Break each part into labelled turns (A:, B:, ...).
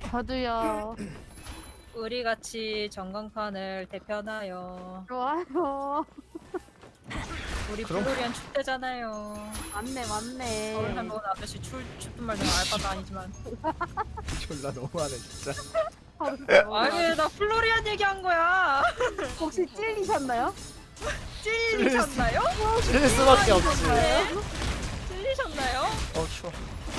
A: 저도요.
B: 우리 같이 전광판을 대표하나요.
A: 좋아요.
B: 우리
C: 그럼-
B: 플로리안 축제잖아요.
A: 맞네,
B: 서울
A: 맞네.
B: 한번 아저씨 춥든 말든 알 바도 아니지만.
C: 졸라 너무하네 진짜.
B: 아니 나 플로리안 얘기한 거야.
A: 혹시 찔리셨나요?
B: 찔리셨나요?
C: 찔릴 수밖에 없지.
B: 네. 찔리셨나요?
C: 추워.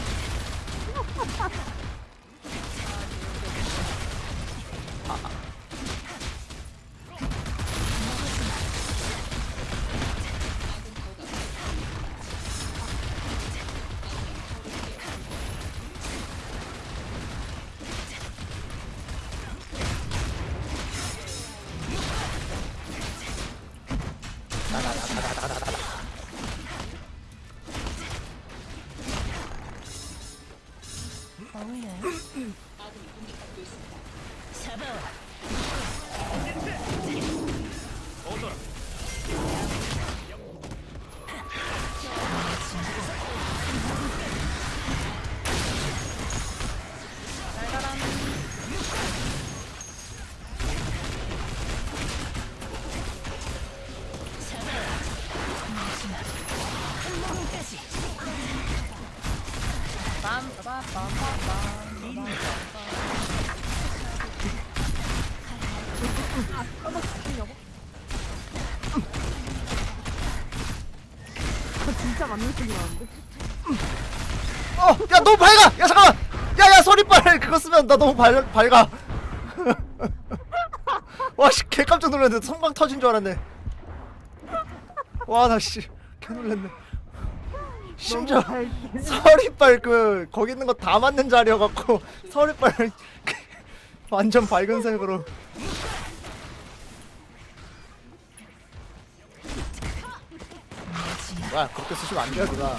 A: 진짜 맞는 소리 나는데?
C: 야 너무 밝아. 야 잠깐만. 야야 소리빨 그거 쓰면 나 너무 밝아. 와씨 개 깜짝 놀랐네. 성광 터진 줄 알았네. 와 나 씨 개 놀랐네. 심지어 서리빨 그 거기 있는 거 다 맞는 자리여갖고 서리빨 완전 밝은 색으로. 와 그렇게 쓰시면 안 돼요 누나.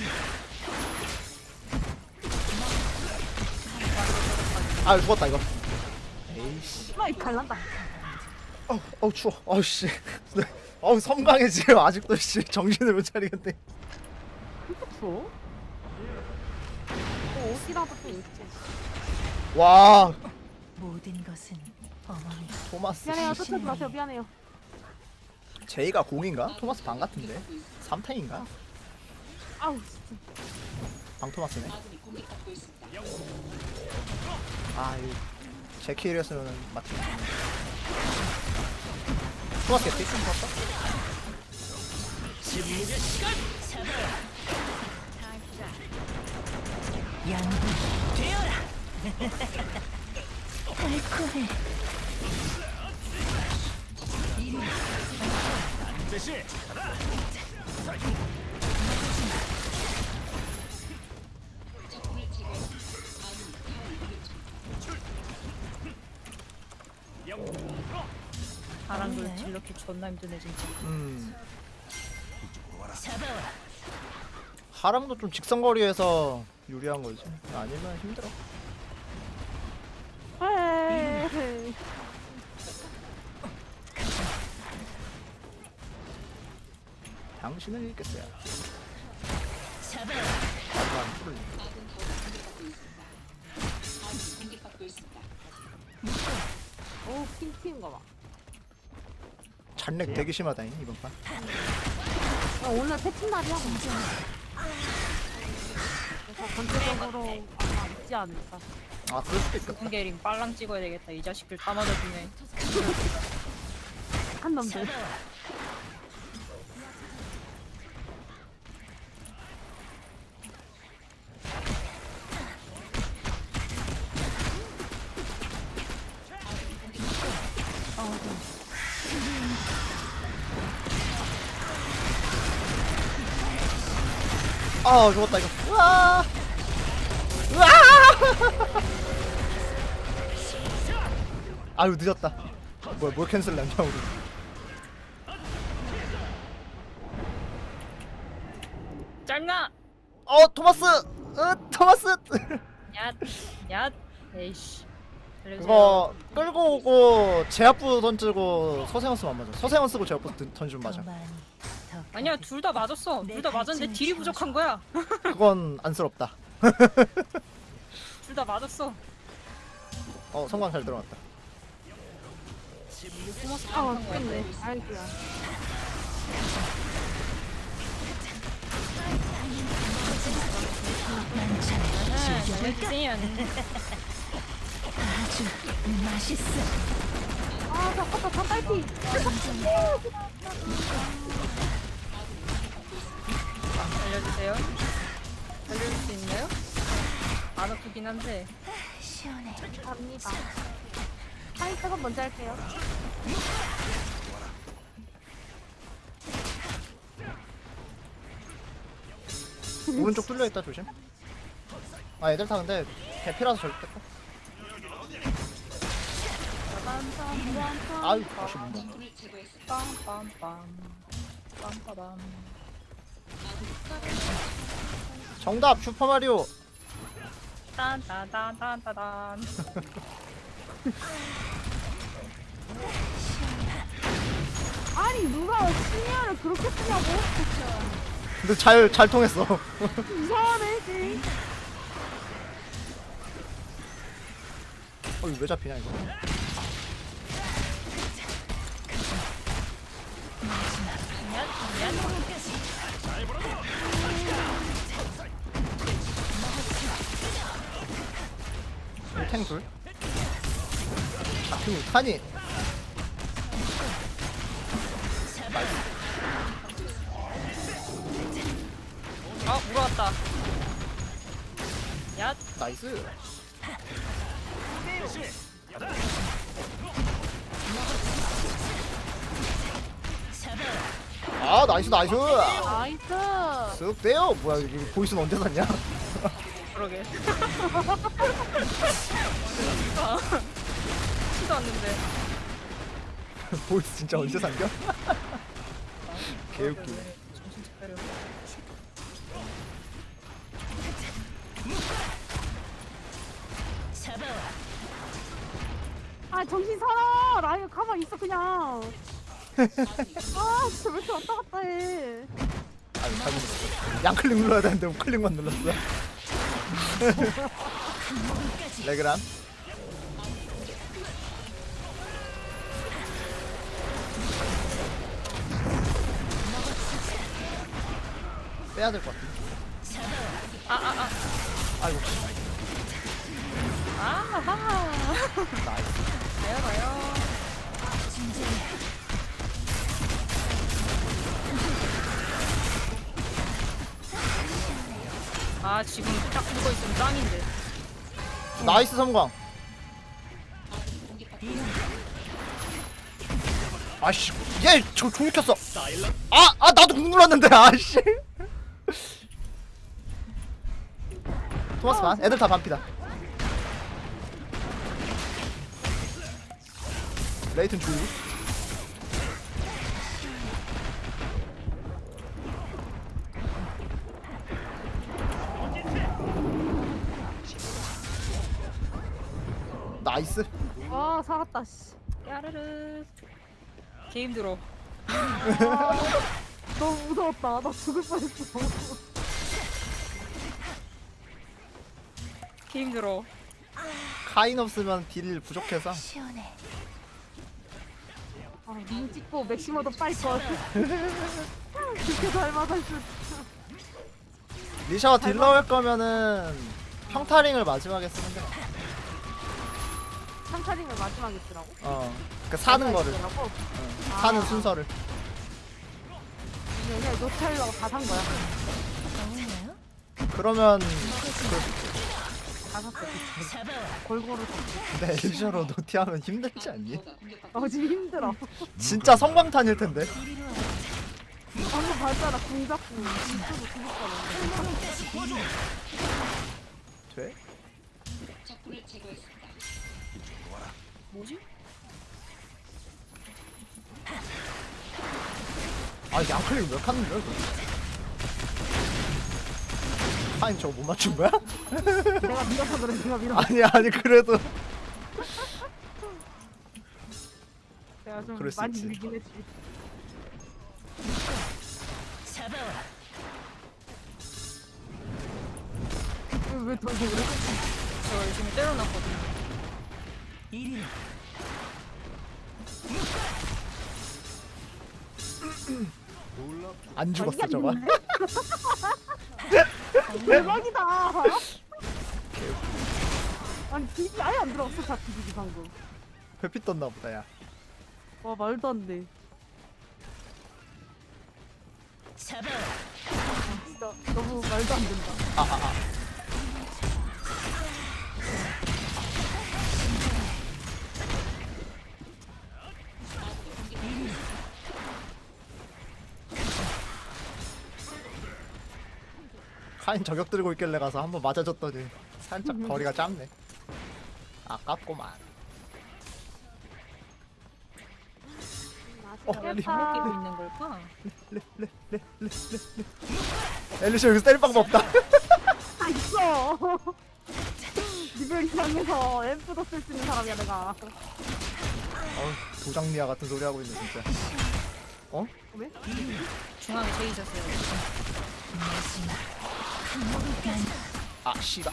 C: 아 죽었다 이거. 에이씨.
A: 아, 갈란다.
C: 추워. 씨. 섬광해 지금 아직도 씨 정신을 못 차리겠네.
A: 추워? 옷이라도 좀 입지.
C: 와
D: 모든 것은 어머니.
C: 토마스.
A: 미안해요, 쫓아지 마세요, 미안해요.
C: 제이가 공인가? 토마스 방 같은데. 3탱인가?
A: 아우, 진짜.
C: 방 토마스네. 이 제키일이었으면 맞지. 토마스 개피 좀 봤어?
D: 양분 되어라. 달콤해.
B: 바람도 질러키 존나 힘드네 진짜.
D: 잡아와.
C: 하랑도 좀 직선거리에서 유리한 거지. 아니면 힘들어.
A: 에이.
C: 당신을 읽겠어요.
D: 잡아와.
C: 나도 안 풀을.
A: 오, 핑튀인가 봐.
C: 잔렉 되게 심하다잉 이번 판.
A: 오늘 패치 날이야, 근데. 그래서 전체적으로 아마 있지 않을까.
C: 그럴 수도 있겠다.
B: 군게링 빨랑 찍어야 되겠다. 이 자식들 다 맞아주네.
A: 한 놈들.
C: 죽었다 이거. 우와. 아유 늦었다. 뭐야 뭘 캔슬 났냐 우리.
B: 짤나.
C: 토마스. 토마스.
B: 얏. 에이씨.
C: 그거 끌고 오고 제압부 던지고 서세원 쓰면 안 맞아. 서세원 쓰고 제압부 던지면 맞아.
B: 아니야 둘 다 맞았어. 둘 다 맞았는데 딜이 부족한 거야.
C: 그건 안쓰럽다.
B: 둘 다 맞았어.
C: 성광 잘 들어갔다.
B: 숨어서
A: 아,
B: 깜빡한 거
A: 맞겠네.
B: 같아.
A: 아이고야.
B: 잘해주세요.
D: 아주 맛있어.
A: 아, 잠깐만, 다 딸피.
B: 알려주세요. 알려줄 수 있나요? 안 아프긴 한데.
D: 시원해.
A: 갑니다. 파이트가 먼저 할게요.
C: 오른쪽 뚫려 있다 조심. 아 애들 다 근데 대피라서 절대. 아유 다시 못 먹.
B: 빰빰빰. 빰빠밤.
C: 정답 슈퍼 마리오.
B: 딴딴딴딴딴.
A: 아니, 누가 시니어를 그렇게 쓰냐고?
C: 근데 잘 통했어.
A: 이상하네, 지.
C: 이거 왜 잡히냐 이거. 탱 둘. 잡히고 타니.
B: 아, 물어왔다. 야,
C: 나이스. 아 나이스 나이스.
A: 나이스.
C: 쓱 떼요. 뭐야 이거 보이스는 언제 샀냐?
B: 그러게. 치도 않는데.
C: 보이스 진짜 언제 산겨? 개웃기.
B: 정신 차려.
D: 잡아와.
A: 아, 정신 사나. 라이언 가만히 있어, 그냥. 아, 진짜 왜 이렇게 왔다 갔다 해.
C: 아유 잘못 눌렀어. 양클릭 눌러야 되는데 우클릭만 눌렀어. 레그람. 빼야 될 것 같아. 아이고.
B: 아하.
C: 나이스.
B: 가요, 가요. 아, 지금 딱 붙어 있으면 짱인데.
C: 나이스 성광. 아씨, 얘저 종이 켰어. 아 나도 궁 눌렀는데 아씨. 토마스 반. 애들 다 반피다. 레이튼 주의. 나이스.
A: 아, 살았다, 씨.
B: 야르르. 개 힘들어.
A: 너무 무서웠다. 나 죽을 뻔했어.
B: 개 힘들어.
C: 카인 없으면 딜 부족해서.
D: 시원해.
A: 아, 눈 찍고 맥시머도 빨리 걸. 그렇게 잘 맞았을 줄.
C: 리샤가 딜러 할 거면은 평타링을 마지막에 쓰는 게 나아.
A: 상타링을 마지막에 쓰라고?
C: 그 사는 거를.
A: 쓰라고?
C: 사는
A: 아.
C: 순서를.
A: 그냥 노타일러가 다 산 거야.
D: 먹나요?
C: 그러면
A: 다 샀어.
D: 잡아와.
A: 골고루 샀어.
C: 근데 엘저로 노티하면 힘들지 않니?
A: 지금 힘들어.
C: 진짜 성광탄일 텐데.
D: 이리로 와.
A: 방금 봤잖아. 궁 잡고. 진짜로 죽을 뻔했네.
C: 돼?
B: 뭐지?
C: 아 양클릭 몇 칸인데? 카인 저거 못 맞춘 거야?
A: 내가 밀어서 그래. 내가 밀어.
C: 아니 그래도
A: 내가 좀
C: 그럴 수
A: 많이
C: 있지.
A: 밀긴 했지.
D: 잡아와.
A: 왜 돌고 그래?
B: 저 열심히 때려놨거든요.
D: 이리
C: 안 죽었어 저거.
A: 대박이다. 아니 비비 아예 안 들어갔어 다 비비 방금.
C: 회피 떴나 보다 야.
A: 와 말도 안 돼.
D: 잡아와.
A: 진짜 너무 말도 안 된다.
C: 카인 저격 들고 있길래 가서 한번 맞아줬더니 살짝 거리가 짧네. 아깝구만.
B: 왜 발목 끼고 있는 걸까?
C: 엘리시 여기서 때릴 방법 없다.
A: 다 있어. 리벨 이상해서 앰프도 쓸 수 있는 사람이야 내가.
C: 도장리아 같은 소리 하고 있네 진짜. 어?
A: 왜?
B: 중앙에 제이 있었어요.
C: 아 씨가.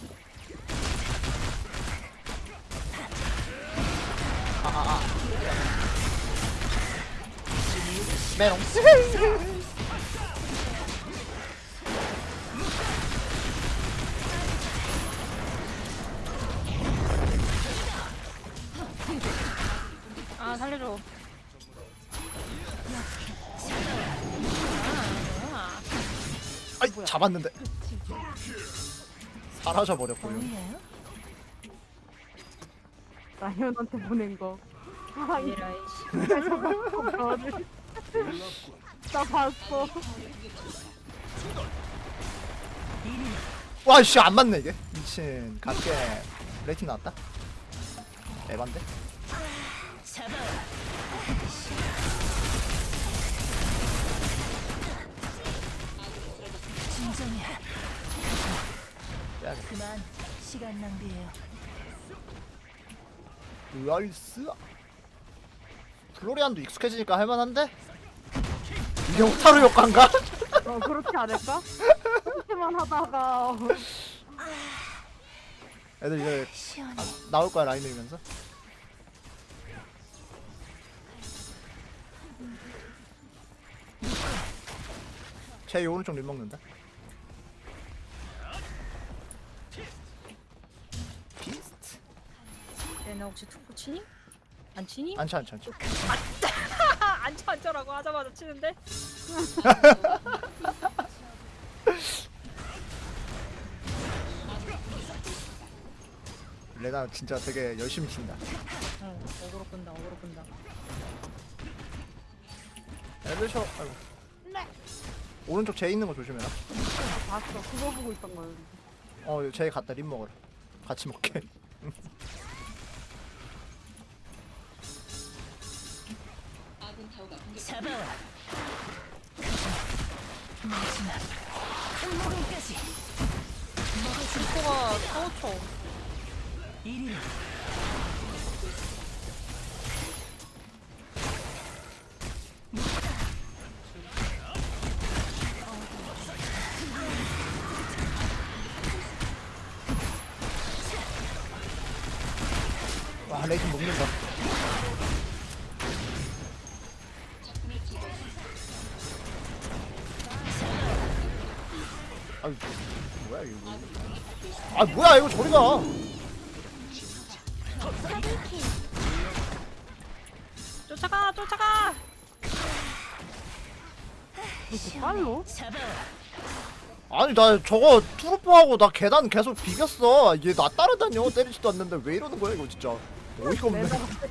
C: 메롱.
B: 아 살려줘.
C: 아이 잡았는데 사라져 버렸고요.
D: 보이나요?
A: 라이언한테 보낸 거. 아 이거
B: 얘라이
A: 나 봤어.
C: 와씨 안 맞네 이게. 미친 갈게. 레이팅 나왔다. 에반데?
D: 잡아와. 진정해.
C: 빼야겠다.
D: 그만. 시간 낭비예요.
C: 나이스. 플로리안도 익숙해지니까 할만한데? 이게 호타루 효과인가?
A: 그렇지 않을까? 그렇게만 하다가
C: 애들 이제
D: 시원해.
C: 나올 거야 라인 밀면서. 제 오른쪽 림 먹는다. 비스트.
B: 얘네 혹시 투포 치니? 안 치니?
C: 안쳐 안쳐 안쳐.
B: 안 쳐라고 하자마자 치는데?
C: 레나 진짜 되게 열심히 친다.
B: 응 어그로 끈다 어그로 끈다.
C: 애들 쳐. 아이고. 오른쪽 제 있는 거 조심해라.
A: 봤어. 그거 보고 있던 거야.
C: 제 갔다 림 먹으라. 같이 먹게.
D: 잡아와. 마지막. 한모금까지.
B: 투포가 타워쳐.
D: 이리
C: 와 레이팅 먹는다. 아유 뭐야 이거. 아 뭐야 이거 저리가.
B: 쫓아가 쫓아가.
A: 빨로?
D: 잡아와.
C: 아니 나 저거 투르포하고 나 계단 계속 비겼어. 얘 나 따라다녀. 때리지도 않는데 왜 이러는 거야 이거 진짜. 어이가 없네.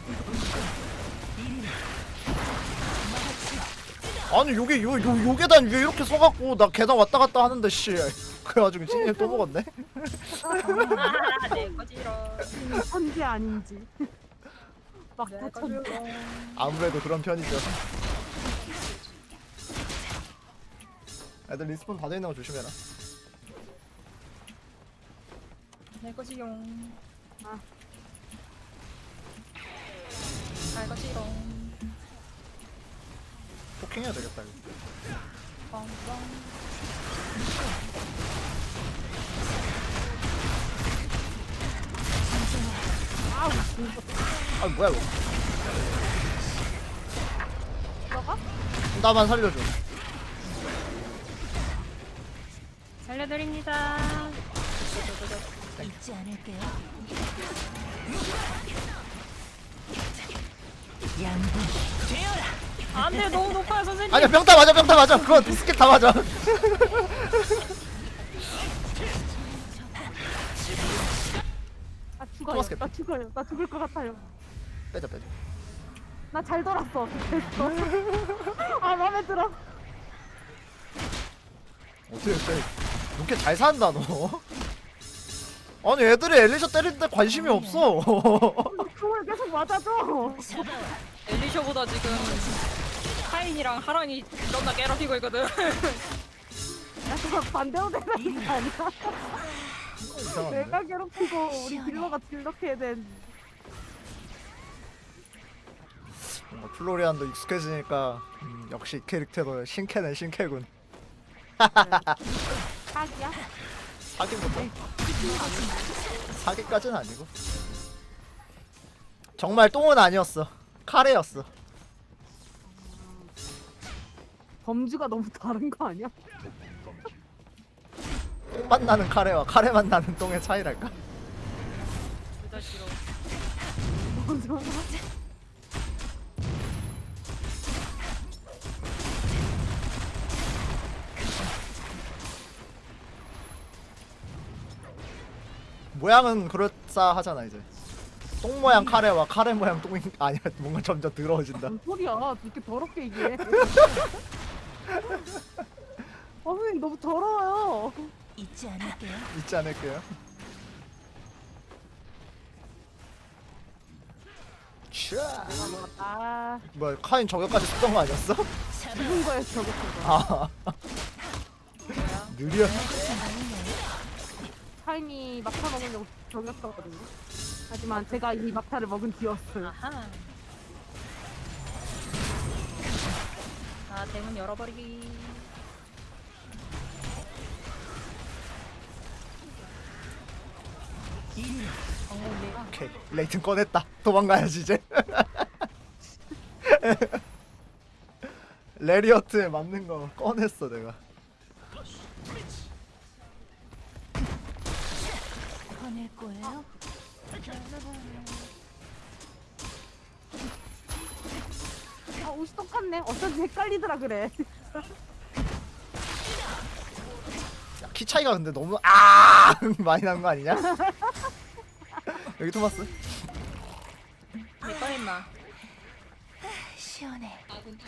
C: 아니 요 계단 위에 이렇게 서갖고 나 계단 왔다 갔다 하는데 씨. 그래가지고 찐이 또 먹었네.
B: 내 거지롱.
A: 천재 아닌지. 막
B: 내
A: 천재.
B: 거지롱.
C: 아무래도 그런 편이죠. 애들 리스폰 닫아 있는 거 조심해라.
B: 내 거지롱.
A: 아.
B: 내 거지롱.
C: 포킹해야 되겠다 이거.
B: 뻥뻥.
A: 아우.
C: 아 뭐야 이거.
A: 들어가?
C: 나만 살려줘.
B: 살려드립니다.
D: 잊지 않을게요. 양분 되어라.
B: 안돼 너무 높아요 선생님.
C: 아니야 병 다 맞아 병 다 맞아. 그거 스킬 다 맞아.
A: 아 죽어요.
C: 토마스
A: 나 죽어요. 나 죽을 것 같아요.
C: 빼자 빼자.
A: 나 잘 돌았어. 됐어. 아 마음에 들어.
C: 어떻게 빼? 이렇게 잘 산다 너. 아니 애들이 엘리셔 때리는데 관심이 없어.
A: 그걸 계속 맞아줘.
B: 엘리셔보다 지금 카인이랑 하랑이 존나 괴롭히고 있거든.
A: 야 그거 반대로 되는 거 아니야?
C: 이상한데?
A: 내가 괴롭히고 우리 딜러가 딜러해야 되는.
C: 뭔가 플로리안도 익숙해지니까 역시 이 캐릭터도 신캐는 신캐군.
A: 사기야?
C: 사기부터. 사기까지는 아니고. 정말 똥은 아니었어. 카레였어.
A: 범주가 너무 다른 거 아니야?
C: 똥맛 나는 카레와 카레맛 나는 똥의 차이랄까?
B: 둘 다 싫어.
A: 범주.
C: 모양은 그럴싸하잖아 이제. 똥 모양 카레와 카레 모양 똥이 아니야. 뭔가 점점 더러워진다.
A: 무슨 소리야? 이렇게 더럽게 이게. 선생님 너무 더러워요.
D: 잊지 않을게요.
C: 잊지 않을게요. 차.
A: 아
C: 뭐야 카인 저격까지 쓰던 거 아니었어?
A: 죽은 거예요 저거.
C: 아
B: 뭐야?
C: 느려.
A: 타임이 막타 먹으려고 저겼었거든요. 하지만 제가 이 막타를 먹은 뒤였어요.
B: 아하. 아 대문 열어버리기.
C: 오케이 레이튼 꺼냈다. 도망가야지 이제. 레리어트에 맞는 거 꺼냈어 내가.
D: 꺼낼 거예요.
A: 아 옷이 똑같네. 어쩐지 헷갈리더라 그래.
C: 야, 키 차이가 근데 너무 많이 난 거 아니냐? 여기 토마스.
B: 내 거 임마.
D: 시원해.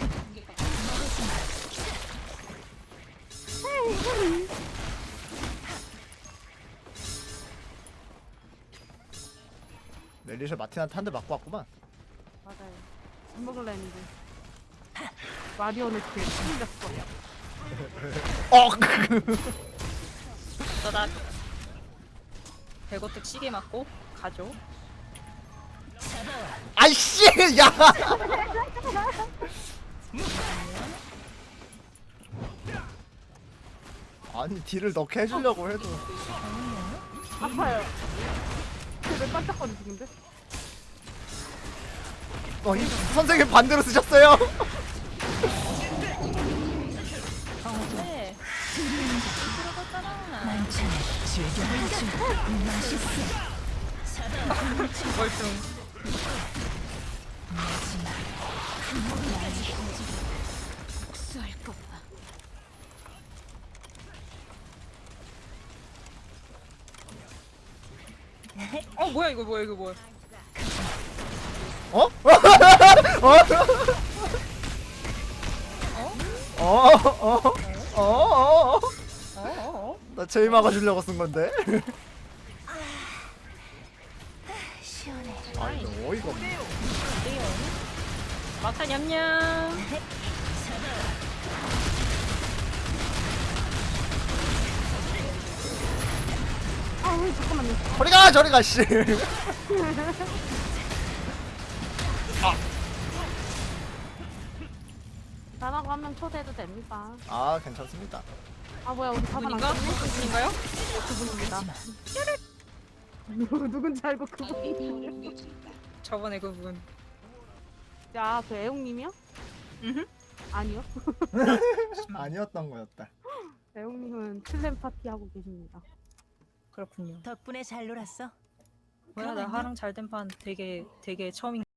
C: 멜리셔 마틴한테 한 대 맞고 왔구만.
A: 맞아요. 밥 먹을라 했는데. 마리오네트 힘들었어.
B: 저다 배고뚝 시계 맞고 가죠.
C: 아이씨 야. 아니 딜을 넣게 해주려고 해도.
A: 아파요. 왜 깜짝거리시는데?
C: 이 선생님 반대로 쓰셨어요.
B: 네. 들어갔잖아.
D: 만찬을 즐겨보죠. 맛있어.
B: 멀뚱.
D: 마지막 쏠 거야.
B: 뭐야 이거 뭐야 이거 뭐야.
C: 어? 나 제이 막아주려고 쓴 건데.
D: 시원해.
C: 아니 너 어이가 없네.
B: 막타 냠냠.
A: 아, 잠깐만요.
C: 저리가 저리가 씨.
A: 나라고 하면 초대해도 됩니다.
C: 아 괜찮습니다.
A: 아 뭐야 우리 사반 안
B: 그분인가?
A: 끝네?
B: 그분인가요?
A: 그분입니다. 누군지 알고 그분이.
B: 저번에 그분.
A: 야, 그 애용님이요?
B: 음.
A: 아니요.
C: 아니었던 거였다.
A: 애용님은 슬램 파티 하고 계십니다.
B: 그렇군요.
D: 덕분에 잘 놀았어.
B: 뭐야 나 하랑 잘된 판 되게 처음인.